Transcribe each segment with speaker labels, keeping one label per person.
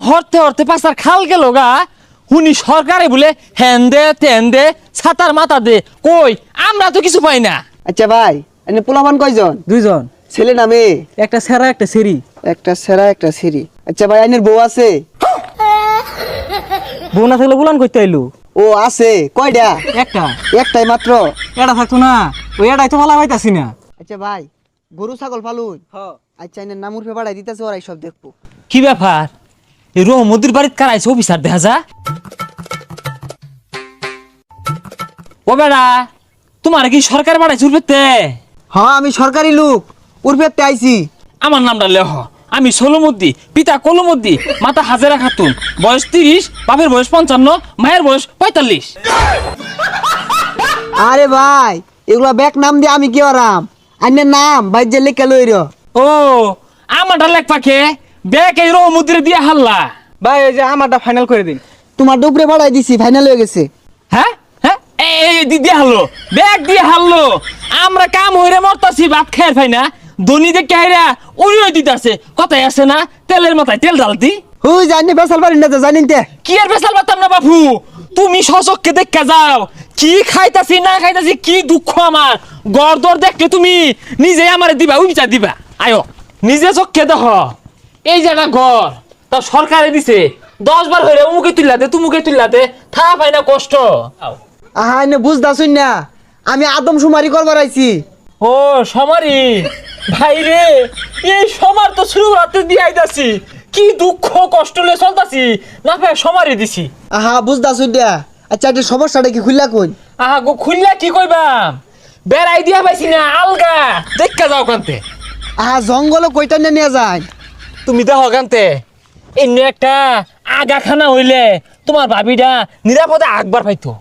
Speaker 1: হরতে হরতে পাশার খাল গেল গা হুনি সরকারে বলে হ্যান দে তেন দে ছাতার মাথা দে কই আমরা তো কিছু পাই না।
Speaker 2: আচ্ছা ভাই এনে পোলাপান কয়জন?
Speaker 3: দুইজন,
Speaker 2: ছেলে না মেয়ে?
Speaker 3: একটা সেরা একটা সেরি।
Speaker 2: একটা সেরা একটা সিরি। আচ্ছা ভাই আইনের বউ আছে?
Speaker 3: বউ না থাকলে বুলান করতে আইলু।
Speaker 2: ও আছে। কয়টা?
Speaker 3: একটা।
Speaker 2: একটাই মাত্র?
Speaker 3: এটা থাকতো না, ওই এটাই তো ভালো পাইতাছি না।
Speaker 2: আচ্ছা ভাই গরু ছাগল পালুন? আচ্ছা এনের নামুর ফে বাড়াই দিতেছে ওরাই সব দেখবো।
Speaker 1: কি ব্যাপার এই রহমদির বাড়িতে কারাইছে অফিসার দেখা যা। ও বেড়া তোমার কি সরকার বাড়াইছে উঠবে?
Speaker 2: হ্যাঁ আমি সরকারি লোক, উর্ফেতে আইছি।
Speaker 1: আমার নামটা লেহ, আমি সোলমদ্দি, পিতা কলমদ্দি, মাতা হাজেরা খাতুন, বয়স 30, বাপের বয়স 55, মায়ের বয়স 45।
Speaker 2: আরে ভাই এগুলা ব্যাক নাম দিয়ে আমি কি আরাম? আইনের নাম ভাই যে লেখা লইর।
Speaker 1: ও আমারটা লেখ পাখে ব্যাগ এই রহমদ্দিরে দিয়ে হাল্লা।
Speaker 3: ভাই এই যে আমারটা ফাইনাল করে দিন।
Speaker 2: তোমার ডুবরে বাড়াই দিছি, ফাইনাল হয়ে গেছে।
Speaker 1: হ্যাঁ হ্যাঁ এই দিয়ে হারলো, ব্যাগ দিয়ে হারলো। আমরা কাম হইরে মরতাছি, ভাত খাই পাই না। ধনী দেখে হাইরা উড়িয়ে দিতেছে, কথাই আছে না তেলের মাথায় তেল ঢালতি।
Speaker 2: হুই জানি বেসাল পারি না তো জানিন তে।
Speaker 1: কি আর বেসাল পারতাম না বাপু, তুমি সচককে দেখা যাও কি খাইতাছি না খাইতাছি, কি দুঃখ আমার। গড়দর দেখলে তুমি নিজে আমারে দিবা, উইচা দিবা। আয়ো নিজে চোখকে দেখ, এই যে একটা ঘর তা সরকারে দিছে, 10 বার হইরে উমুকে তুললাতে তুমুকে তুললাতে থা পাই না কষ্ট।
Speaker 2: আহা এনে বুঝদাছুন না, আমি আদম সুমারি করবার আইছি।
Speaker 1: ও সমারি ভাই রে, এই সমার তো শুরু রাতে দিয়ে আইতাছি, কি দুঃখ কষ্ট লে চলতাছি না ভাই সমারি দিছি।
Speaker 2: আহা বুঝদাছুন না। আচ্ছা একটা সমস্যাটা কি খুললা কই?
Speaker 1: আহা গো খুললা কি কইবাম, বেড়াই দিয়া পাইছি না আলগা দেখা যাও কান্তে।
Speaker 2: আহা জঙ্গল কইটা নিয়ে যায়।
Speaker 1: তুমি দেখো কান্তে এন্য একটা আগাখানা হইলে তোমার ভাবিটা নিরাপদে আগবার পাইতো।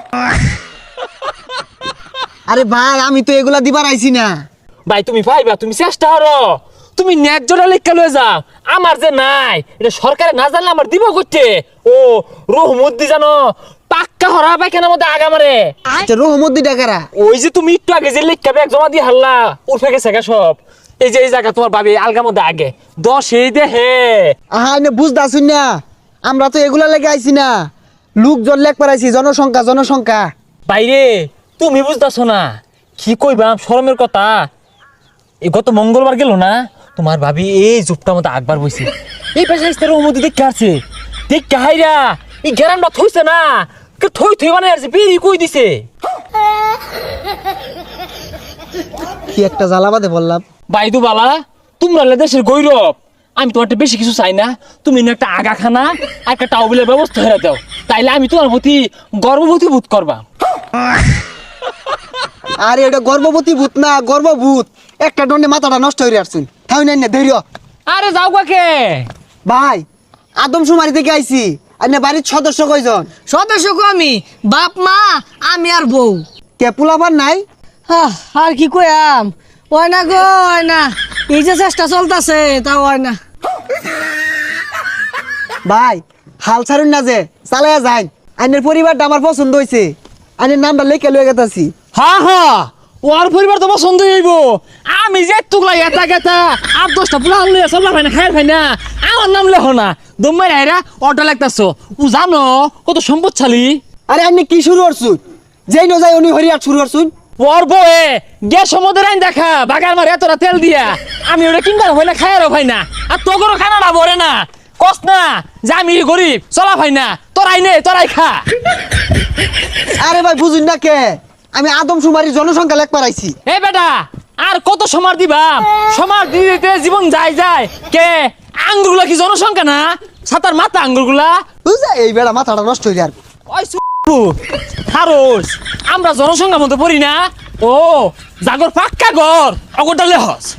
Speaker 2: আরে ভাই আমি তো এগুলা দিবার আইছি না।
Speaker 1: ভাই তুমি পাইবা, তুমি চেষ্টা করো, তুমি ন্যায্যটা লেখা লয়ে যাও। আমার যে নাই এটা সরকারে না জানলে আমার দিব করতে। ও রহমদ্দি জানো পাক্কা হরা পায়খানার মধ্যে আগা মারে।
Speaker 2: আচ্ছা রহমদ্দি ডাকারা?
Speaker 1: ওই যে তুমি একটু আগে যে লেখা ব্যাগ জমা দিয়ে হারলা উঠে গেছে গা সব। এই যে এই জায়গা তোমার ভাবি আলগার মধ্যে আগে 10 এই দেহে।
Speaker 2: আহা এনে বুঝদাছুন না, আমরা তো এগুলা লেগে আইছি না, লোকজন লেখ পারাইছি, জনসংখ্যা জনসংখ্যা।
Speaker 1: বাইরে তুমি বুঝতেছো না কি কইবাম শরমের কথা। এই গত মঙ্গলবার গেল না তোমার ভাবি এই জুপটার মধ্যে আগবার বইছে, এই পেশা ইস্তারের অনুমতি দেখতে আসছে। দেখতে হাইরা এই গ্যারামটা থইছে না, থই থই মানে আসছে বেরি কই দিছে।
Speaker 2: কি একটা জ্বালাবাদে বললাম।
Speaker 1: বাইদু বালা তোমরা দেশের গৌরব, আমি তোমার বেশি কিছু চাই না। তুমি একটা আগাখানা আর একটা টাউবিলের ব্যবস্থা করে দাও, তাইলে আমি তোমার প্রতি গর্ববতী বোধ করবা।
Speaker 2: আরে এটা গর্ভবতী ভূত না, গর্ভভূত। একটা দণ্ডে মাথাটা নষ্ট হয়ে আসছেন। তাই না ধৈর্য।
Speaker 1: আরে যাও কাকে
Speaker 2: ভাই আদম সুমারি থেকে আইছি। আর না বাড়ির সদস্য কয়জন?
Speaker 4: সদস্য আমি, বাপ মা আমি আর বউ।
Speaker 2: কে পোলাবার নাই?
Speaker 4: আর কি কইয়াম, ওই না গো ওই না, এই যে চেষ্টা চলতেছে তা ওই না।
Speaker 2: ভাই হাল ছাড়ুন না, যে চালাইয়া যাই। আইনের পরিবারটা আমার পছন্দ হয়েছে, আইনের নামটা লেখে লয়ে গেতাছি।
Speaker 1: হ্যাঁ হ্যাঁ ওর পরিবার তো পছন্দ হইব। আমি যে তুগলা এটা গেতা 8-10টা পুরা লইয়া চলবা ভাই না খাই ভাই না, আমার নাম লেখো না। দমাই আইরা অটো লাগতাছো, ও জানো কত সম্পদশালী।
Speaker 2: আরে আপনি কি শুরু করছুন? যেই ন যাই উনি হরিয়ার শুরু করছুন।
Speaker 1: ওর বয়ে গ্যাস সমুদ্রের আইন দেখা বাগার মারে এতটা তেল দিয়া আমি ওটা কিনবার হয় না খায়ারও ভাই না। আর তোগরও খানাটা ভরে না, কস না যে আমি গরিব চলা ভাই না, তোরাই নে তোরাই খা।
Speaker 2: আরে ভাই বুঝুন না কে, আমি আদম সুমারির জনসংখ্যা লেখ পারাইছি।
Speaker 1: এ বেটা আর কত সমার দিবাম, সমার দিতে জীবন যায় যায়। কে আঙ্গুরগুলা কি জনসংখ্যা না? সাতার মাথা আঙ্গুরগুলা
Speaker 2: বুঝা এই বেড়া মাথাটা নষ্ট হয়ে আর।
Speaker 1: ওই খারোস আমরা জনসংখ্যার মধ্যে পড়ি না। ও জাগর পাক্কা ঘর অগরটা লেহস।